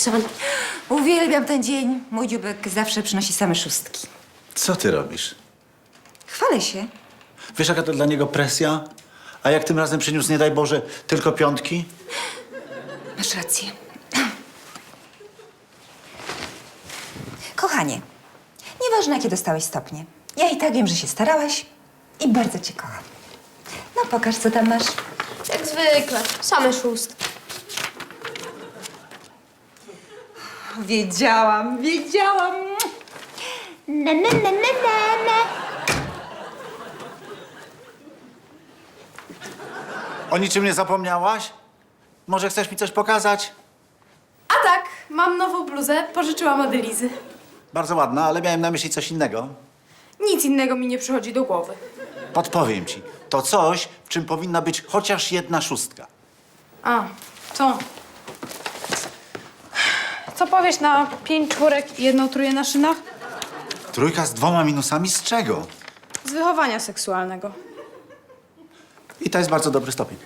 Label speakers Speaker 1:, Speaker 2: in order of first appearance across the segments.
Speaker 1: podpisane.
Speaker 2: Uwielbiam ten dzień. Mój dzióbek zawsze przynosi same szóstki.
Speaker 3: Co ty robisz?
Speaker 2: Chwalę się.
Speaker 3: Wiesz, jaka to dla niego presja? A jak tym razem przyniósł, nie daj Boże, tylko piątki?
Speaker 2: Masz rację. Kochanie, nieważne jakie dostałeś stopnie. Ja i tak wiem, że się starałaś i bardzo cię kocham. No pokaż, co tam masz.
Speaker 1: Jak zwykle, same szóstki.
Speaker 2: Wiedziałam. Na.
Speaker 3: O niczym nie zapomniałaś? Może chcesz mi coś pokazać?
Speaker 4: A tak, mam nową bluzę, pożyczyłam od Elizy.
Speaker 3: Bardzo ładna, ale miałem na myśli coś innego.
Speaker 4: Nic innego mi nie przychodzi do głowy.
Speaker 3: Podpowiem ci. To coś, w czym powinna być chociaż jedna szóstka.
Speaker 4: A, to. Co powiesz na 5 czwórek i 1 trójkę na szynach?
Speaker 3: Trójka z 2 minusami z czego?
Speaker 4: Z wychowania seksualnego.
Speaker 3: I to jest bardzo dobry stopień.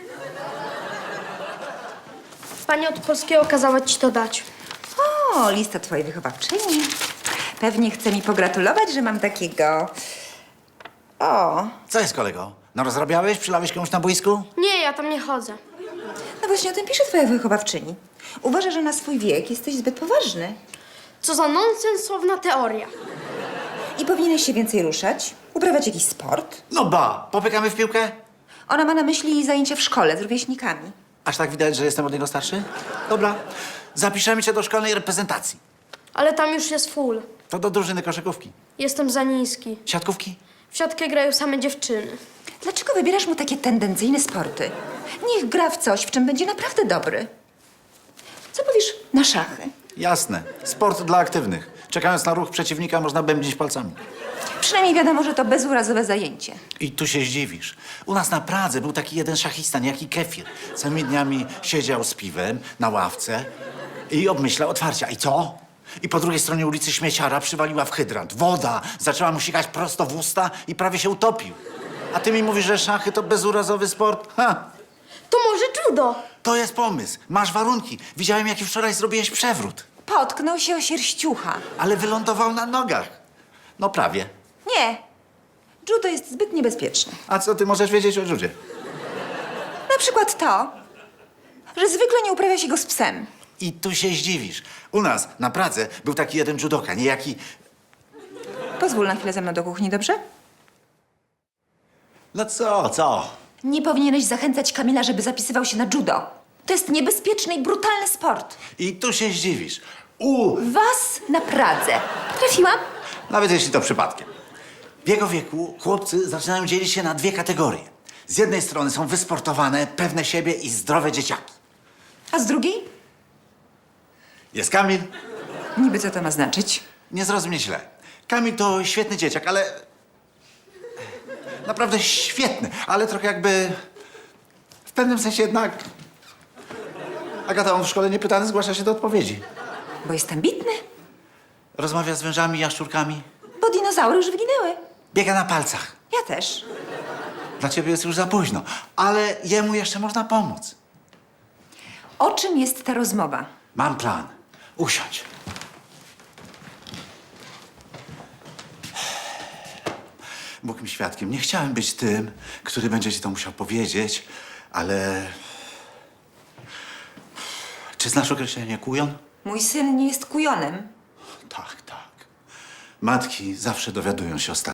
Speaker 1: Pani od polskiego kazała ci to dać.
Speaker 2: O, lista twojej wychowawczyni. Pewnie chce mi pogratulować, że mam takiego... O,
Speaker 3: Co jest, kolego? No rozrabiałeś? Przylałeś komuś na boisku?
Speaker 1: Nie, ja tam nie chodzę.
Speaker 2: no właśnie o tym pisze twoja wychowawczyni. Uważa, że na swój wiek jesteś zbyt poważny.
Speaker 1: Co za nonsensowna teoria.
Speaker 2: I powinieneś się więcej ruszać, uprawiać jakiś sport.
Speaker 3: No ba! Popykamy w piłkę?
Speaker 2: Ona ma na myśli zajęcia w szkole z rówieśnikami.
Speaker 3: Aż tak widać, że jestem od niego starszy? Dobra. Zapiszemy cię do szkolnej reprezentacji.
Speaker 1: Ale tam już jest full.
Speaker 3: To do drużyny koszykówki.
Speaker 1: Jestem za niski.
Speaker 3: Siatkówki?
Speaker 1: W siatkę grają same dziewczyny.
Speaker 2: Dlaczego wybierasz mu takie tendencyjne sporty? Niech gra w coś, w czym będzie naprawdę dobry. Co powiesz na szachy?
Speaker 3: Jasne. Sport dla aktywnych. Czekając na ruch przeciwnika, można bębnić palcami.
Speaker 2: Przynajmniej wiadomo, że to bezurazowe zajęcie.
Speaker 3: I tu się zdziwisz. U nas na Pradze był taki jeden szachista, niejaki Kefir. Całymi dniami siedział z piwem na ławce i obmyślał otwarcia. I co? I po drugiej stronie ulicy śmieciara przywaliła w hydrant. Woda zaczęła mu sikać prosto w usta i prawie się utopił. A ty mi mówisz, że szachy to bezurazowy sport? Ha!
Speaker 1: To może judo?
Speaker 3: To jest pomysł. Masz warunki. Widziałem, jaki wczoraj zrobiłeś przewrót.
Speaker 2: Potknął się o sierściucha.
Speaker 3: Ale wylądował na nogach. No prawie.
Speaker 2: Nie. Judo jest zbyt niebezpieczne.
Speaker 3: A co ty możesz wiedzieć o judzie?
Speaker 2: Na przykład to, że zwykle nie uprawia się go z psem.
Speaker 3: I tu się zdziwisz. U nas na Pradze był taki jeden judoka, niejaki...
Speaker 2: Pozwól na chwilę ze mną do kuchni, dobrze?
Speaker 3: No co?
Speaker 2: Nie powinieneś zachęcać Kamila, żeby zapisywał się na judo. To jest niebezpieczny i brutalny sport.
Speaker 3: I tu się zdziwisz.
Speaker 2: Was na Pradze. Trafiłam?
Speaker 3: Nawet jeśli to przypadkiem. W jego wieku chłopcy zaczynają dzielić się na 2 kategorie. Z jednej strony są wysportowane, pewne siebie i zdrowe dzieciaki.
Speaker 2: A z drugiej?
Speaker 3: Jest Kamil.
Speaker 2: Niby co to ma znaczyć?
Speaker 3: Nie zrozum mnie źle. Kamil to świetny dzieciak, ale... Naprawdę świetny, ale trochę jakby... W pewnym sensie jednak... Agata, on w szkole niepytany zgłasza się do odpowiedzi.
Speaker 2: Bo jest ambitny.
Speaker 3: Rozmawia z wężami, jaszczurkami.
Speaker 2: Bo dinozaury już wyginęły.
Speaker 3: Biega na palcach.
Speaker 2: Ja też.
Speaker 3: Dla ciebie jest już za późno, ale jemu jeszcze można pomóc.
Speaker 2: O czym jest ta rozmowa?
Speaker 3: Mam plan. Usiądź. Bóg mi świadkiem. Nie chciałem być tym, który będzie ci to musiał powiedzieć, ale... Czy znasz określenie kujon?
Speaker 2: Mój syn nie jest kujonem.
Speaker 3: Tak. Matki zawsze dowiadują się ostatnio.